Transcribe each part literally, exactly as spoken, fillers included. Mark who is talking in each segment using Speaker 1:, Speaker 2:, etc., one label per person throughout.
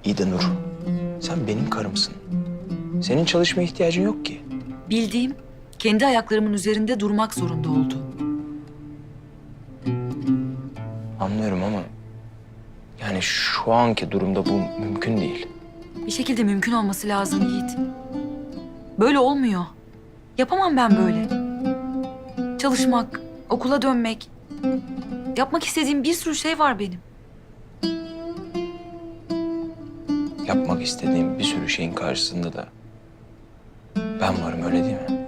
Speaker 1: İyi de Nur, sen benim karımsın. Senin çalışmaya ihtiyacın yok ki.
Speaker 2: Bildiğim, kendi ayaklarımın üzerinde durmak zorunda oldu.
Speaker 1: Anlıyorum ama... yani şu anki durumda bu mümkün değil.
Speaker 2: Bir şekilde mümkün olması lazım Yiğit. Böyle olmuyor. Yapamam ben böyle. Çalışmak, okula dönmek. Yapmak istediğim bir sürü şey var benim.
Speaker 1: Yapmak istediğim bir sürü şeyin karşısında da... ben varım, öyle değil mi?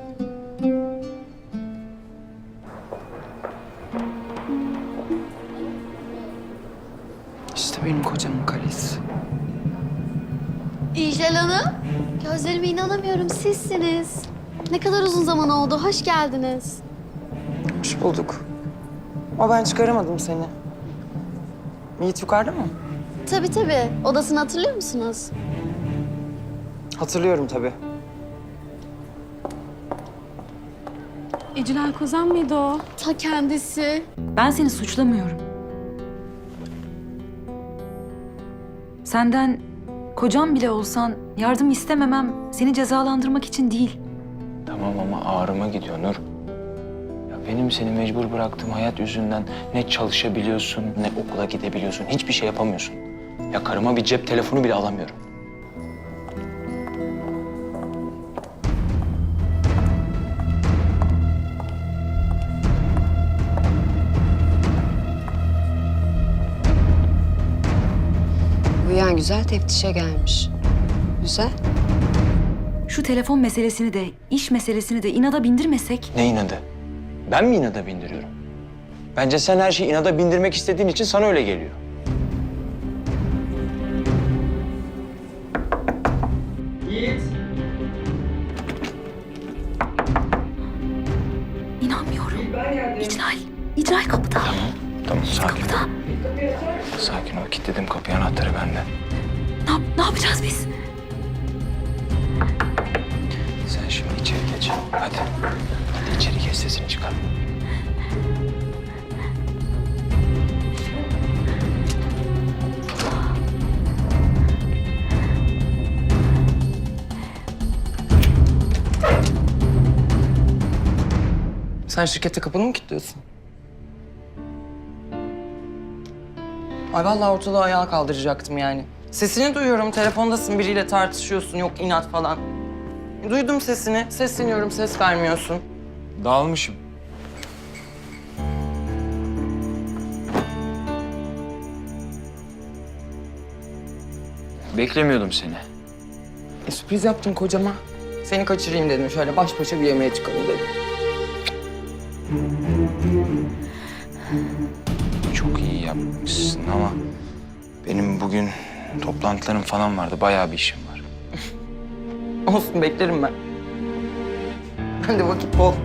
Speaker 3: İşte benim kocamın kalesi.
Speaker 4: İclal Hanım, gözlerime inanamıyorum, sizsiniz. Ne kadar uzun zaman oldu, hoş geldiniz.
Speaker 3: Hoş bulduk. Ama ben çıkaramadım seni. Yiğit yukarıda mı?
Speaker 4: Tabii tabii, odasını hatırlıyor musunuz?
Speaker 3: Hatırlıyorum tabii.
Speaker 5: İclal Kozan mıydı o?
Speaker 4: Ta kendisi.
Speaker 2: Ben seni suçlamıyorum. Senden kocam bile olsan yardım istememem seni cezalandırmak için değil.
Speaker 1: Tamam ama ağrıma gidiyor Nur. Ya benim seni mecbur bıraktığım hayat yüzünden ne çalışabiliyorsun, ne okula gidebiliyorsun, hiçbir şey yapamıyorsun. Ya karıma bir cep telefonu bile alamıyorum.
Speaker 6: Uyuyan güzel teftişe gelmiş. Güzel.
Speaker 2: Şu telefon meselesini de, iş meselesini de inada bindirmesek...
Speaker 1: Ne inadı? Ben mi inada bindiriyorum? Bence sen her şeyi inada bindirmek istediğin için sana öyle geliyor.
Speaker 2: İnanmıyorum. İclal, İclal kapıda.
Speaker 1: Tamam, sakin ol.
Speaker 2: Kapıda.
Speaker 1: Sakin ol, kilitledim kapıyı, anahtarı bende.
Speaker 2: Ne, yap- ne yapacağız biz?
Speaker 1: Sen şimdi içeri geç. Hadi. Hadi içeri geç, sesini çıkar.
Speaker 3: Sen şirkete kapını mı kilitliyorsun? Ay vallahi ortalığı ayağa kaldıracaktım yani. Sesini duyuyorum, telefondasın, biriyle tartışıyorsun, yok inat falan. Duydum sesini, sesleniyorum, ses vermiyorsun.
Speaker 1: Dağılmışım. Beklemiyordum seni.
Speaker 3: E, sürpriz yaptım kocama. Seni kaçırayım dedim, şöyle baş başa bir yemeğe çıkalım dedim.
Speaker 1: Çok iyi yapmışsın ama benim bugün toplantılarım falan vardı. Bayağı bir işim var.
Speaker 3: Olsun, beklerim ben. Ben de vakit bol.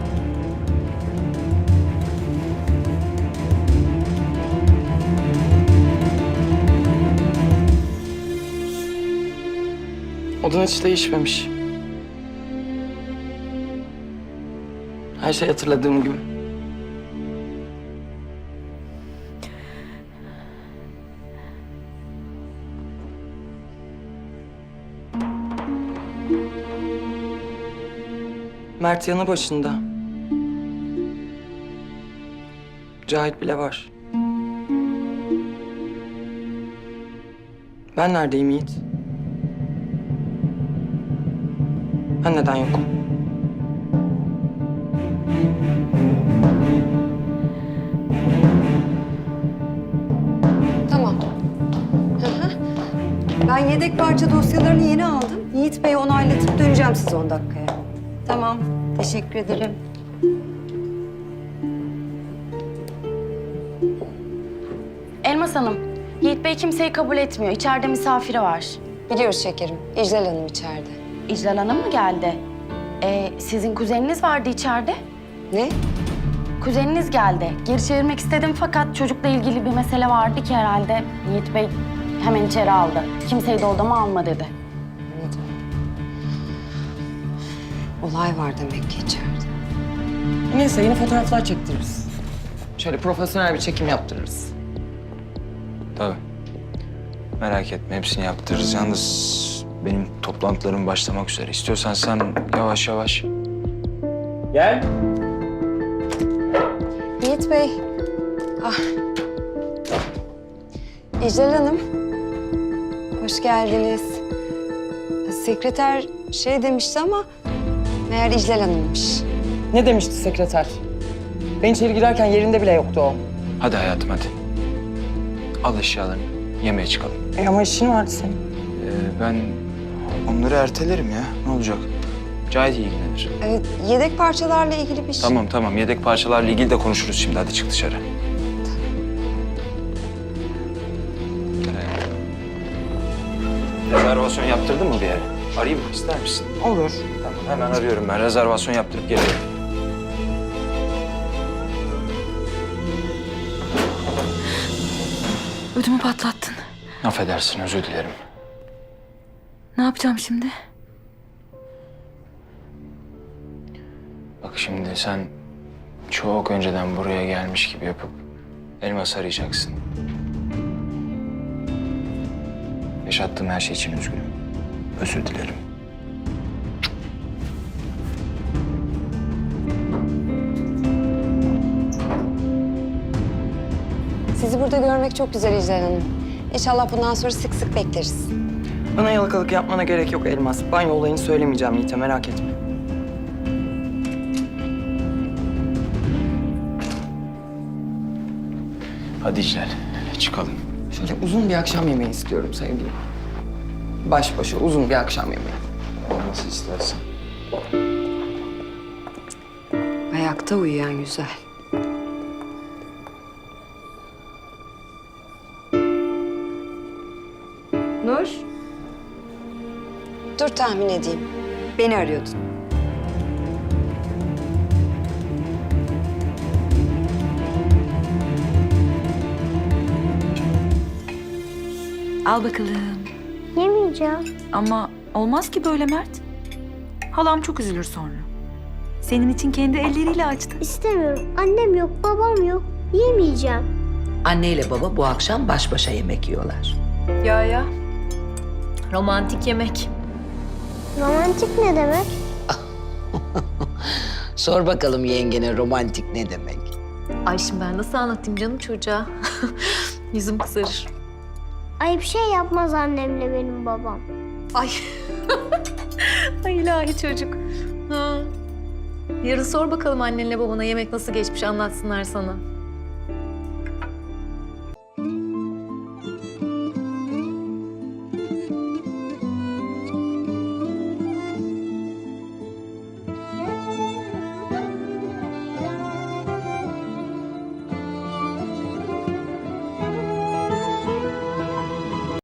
Speaker 3: Odan hiç değişmemiş. Her şey hatırladığım gibi. Mert yanı başında. Cahit bile var. Ben neredeyim Yiğit? Ben neden yokum?
Speaker 6: Tamam. Hı hı. Ben yedek parça dosyalarını yeni aldım. Yiğit Bey'e onaylatıp döneceğim size on dakikaya. Tamam. Teşekkür ederim.
Speaker 5: Elmas Hanım, Yiğit Bey kimseyi kabul etmiyor. İçeride misafiri var.
Speaker 6: Biliyoruz şekerim. İclal Hanım içeride.
Speaker 5: İclal Hanım mı geldi? Ee, sizin kuzeniniz vardı içeride.
Speaker 6: Ne?
Speaker 5: Kuzeniniz geldi. Geri çevirmek istedim fakat çocukla ilgili bir mesele vardı ki herhalde. Yiğit Bey hemen içeri aldı. Kimseyi de odama alma dedi.
Speaker 6: Anladım. Olay var demek ki içeride.
Speaker 3: Neyse yeni fotoğraflar çektiririz. Şöyle profesyonel bir çekim yaptırırız.
Speaker 1: Tabii. Merak etme, hepsini yaptırırız. Yalnız benim toplantılarım başlamak üzere. İstiyorsan sen yavaş yavaş. Gel.
Speaker 6: Yiğit Bey. Ah. İclal Hanım. Hoş geldiniz. Sekreter şey demişti ama meğer İclal Hanım'mış.
Speaker 3: Ne demişti sekreter? Ben içeri girerken yerinde bile yoktu o.
Speaker 1: Hadi hayatım hadi. Al eşyalarını, yemeğe çıkalım.
Speaker 3: E ama işin vardı senin.
Speaker 1: Ee, ben onları ertelerim ya. Ne olacak? Cahit ilgilenir.
Speaker 6: Evet, yedek parçalarla ilgili bir şey.
Speaker 1: Tamam tamam, yedek parçalarla ilgili de konuşuruz şimdi. Hadi çık dışarı. Gel hayatım. Rezervasyon yaptırdın mı bir yere? Arayayım mı? İster misin?
Speaker 3: Olur.
Speaker 1: Tamam, hemen arıyorum ben. Rezervasyon yaptırıp geliyorum.
Speaker 2: Ödümü patlattın.
Speaker 1: Affedersin, özür dilerim.
Speaker 2: Ne yapacağım şimdi?
Speaker 1: Bak şimdi sen çok önceden buraya gelmiş gibi yapıp Elmas arayacaksın. Yaşattığım her şey için üzgünüm. Özür dilerim.
Speaker 6: Sizi burada görmek çok güzel İclal Hanım. İnşallah bundan sonra sık sık bekleriz.
Speaker 3: Bana yalakalık yapmana gerek yok Elmas. Banyo olayını söylemeyeceğim Yiğit'e, merak etme.
Speaker 1: Hadi İclal, çıkalım.
Speaker 3: Şöyle uzun bir akşam yemeği istiyorum sevgilim. Baş başa uzun bir akşam yemeği.
Speaker 1: Nasıl istersen.
Speaker 6: Ayakta uyuyan güzel. Nur. Dur tahmin edeyim. Beni arıyordun.
Speaker 2: Al bakalım.
Speaker 4: Yemeyeceğim.
Speaker 2: Ama olmaz ki böyle Mert. Halam çok üzülür sonra. Senin için kendi elleriyle açtı.
Speaker 4: İstemiyorum. Annem yok, babam yok. Yemeyeceğim.
Speaker 7: Anne ile baba bu akşam baş başa yemek yiyorlar.
Speaker 8: Ya ya. Romantik yemek.
Speaker 4: Romantik ne demek?
Speaker 7: Sor bakalım yengene romantik ne demek?
Speaker 8: Ay şimdi ben nasıl anlatayım canım çocuğa? Yüzüm kızarır.
Speaker 4: Ay bir şey yapmaz annemle benim babam.
Speaker 8: Ay. Ay ilahi çocuk. Ha. Yarın sor bakalım annenle babana yemek nasıl geçmiş anlatsınlar sana.